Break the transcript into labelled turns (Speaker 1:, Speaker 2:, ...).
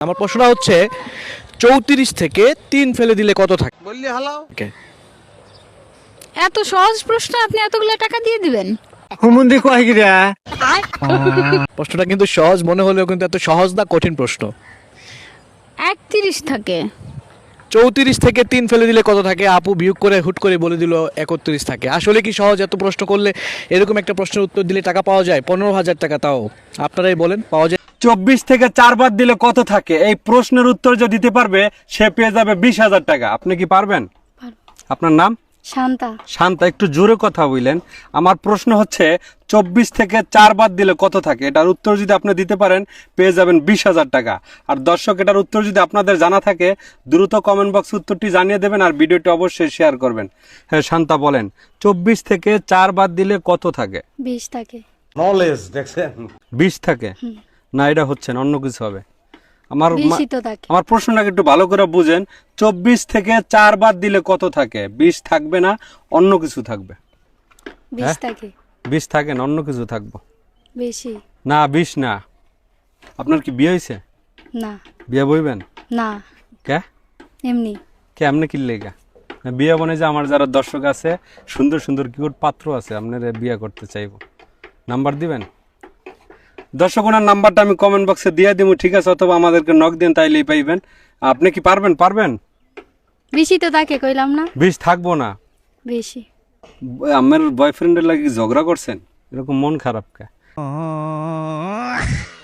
Speaker 1: আমার প্রশ্নটা হচ্ছে 34 থেকে 3 ফেলে দিলে কত থাকে?
Speaker 2: বললি হালাও।
Speaker 3: এত সহজ প্রশ্ন আপনি এতগুলো টাকা দিয়ে দিবেন?
Speaker 2: হুমুন্দি কয় গিরা।
Speaker 1: প্রশ্নটা কিন্তু সহজ মনে হলেও কিন্তু এত সহজ না, কঠিন প্রশ্ন।
Speaker 3: 31 থাকে।
Speaker 1: 34 থেকে 3 ফেলে দিলে কত থাকে? আপু বিয়োগ করে হুট করে বলে দিল 31 থাকে। আসলে কি সহজ? এত প্রশ্ন করলে এরকম একটা প্রশ্নের উত্তর দিলে টাকা পাওয়া যায় 15,000 টাকা। তাও আপনারাই বলেন পাওয়া যায়?
Speaker 2: 24 থেকে 4 বাদ দিলে কত থাকে? এই প্রশ্নের উত্তর যে দিতে পারবে সে পেয়ে যাবে 20,000 টাকা। আপনি কি পারবেন? আপনার নাম?
Speaker 3: শান্তা।
Speaker 2: শান্তা, একটু জোরে কথা বললেন। আমার প্রশ্ন হচ্ছে 24 থেকে 4 বাদ দিলে কত থাকে? এটার উত্তর যদি আপনি দিতে পারেন পেয়ে যাবেন 20,000 টাকা। আর দর্শক, এটার উত্তর যদি আপনাদের জানা থাকে দ্রুত কমেন্ট বক্সে উত্তরটি জানিয়ে দেবেন আর ভিডিওটি অবশ্যই শেয়ার করবেন। হ্যাঁ শান্তা বলেন, 24 থেকে 4 বাদ দিলে কত থাকে?
Speaker 3: 20 থাকে।
Speaker 4: নলেজ দেখছেন?
Speaker 2: 20 থাকে না, এটা হচ্ছে না, অন্য কিছু হবে। আমার
Speaker 3: 20 তো থাকে।
Speaker 2: আমার প্রশ্নটাকে একটু ভালো করে বুঝেন। 24 থেকে 4 বাদ দিলে কত থাকে? 20 থাকবে না, অন্য কিছু থাকবে।
Speaker 3: 20 থাকে।
Speaker 2: 20 থাকে না, অন্য কিছু থাকবো।
Speaker 3: বেশি
Speaker 2: না 20 না। আপনার কি বিয়ে হয়েছে?
Speaker 3: না।
Speaker 2: বিয়ে বইবেন?
Speaker 3: না,
Speaker 2: কে
Speaker 3: এমনি।
Speaker 2: কেমনে কিনলে গা? না বিয়ে বনে যে আমার যারা দর্শক আছে, সুন্দর সুন্দর কিউট পাত্র আছে, আপনারা বিয়ে করতে চাইবো, নাম্বার দিবেন? দর্শক, ওনার নাম্বারটা আমি কমেন্ট বক্সে দিয়ে দিব, ঠিক আছে? অথবা আমাদেরকে নক দেন, তাইলেই পাইবেন। আপনি কি পারবেন? পারবেন?
Speaker 3: বেশি তো থাকে, কইলাম না।
Speaker 2: 20 থাকবো না।
Speaker 3: বেশি।
Speaker 2: আমার বয়ফ্রেন্ডের লাগি ঝগড়া করছেন? এরকম মন খারাপ কে?